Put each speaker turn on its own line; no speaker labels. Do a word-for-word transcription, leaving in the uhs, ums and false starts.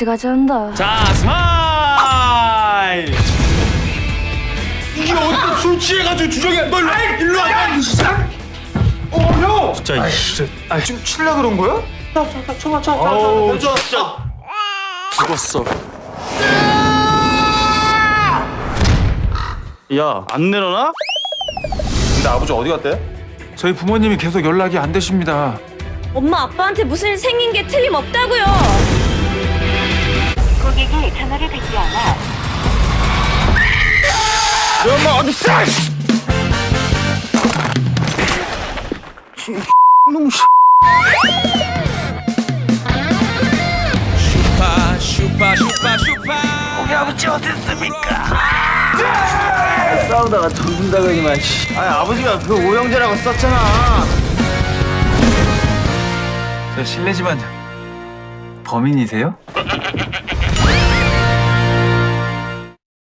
같이 가자 한다.
자, 스마일!
이게 어떻게 술 취해가지고 주정이야. 너 일로 와. 야, 어, 형.
진짜, 진짜.
아, 지금 칠라 그런 거야? 자, 자, 자, 쳐봐, 자, 자,
어우,
자, 자,
진짜. 죽었어. 야, 안 내려놔?
근데 아버지 어디 갔대? 저희 부모님이 계속 연락이 안 되십니다.
엄마 아빠한테 무슨 일 생긴 게 틀림없다고요.
고객이 전화를 받지 않아
너 엄마 어디 있어? 놈 씨.
슈파 슈파 슈파 슈파
우리 아버지 어디 있습니까?
싸우다가 던진다고 하니만.
아니 아버지가 그 오형제라고 썼잖아.
저 실례지만 범인이세요?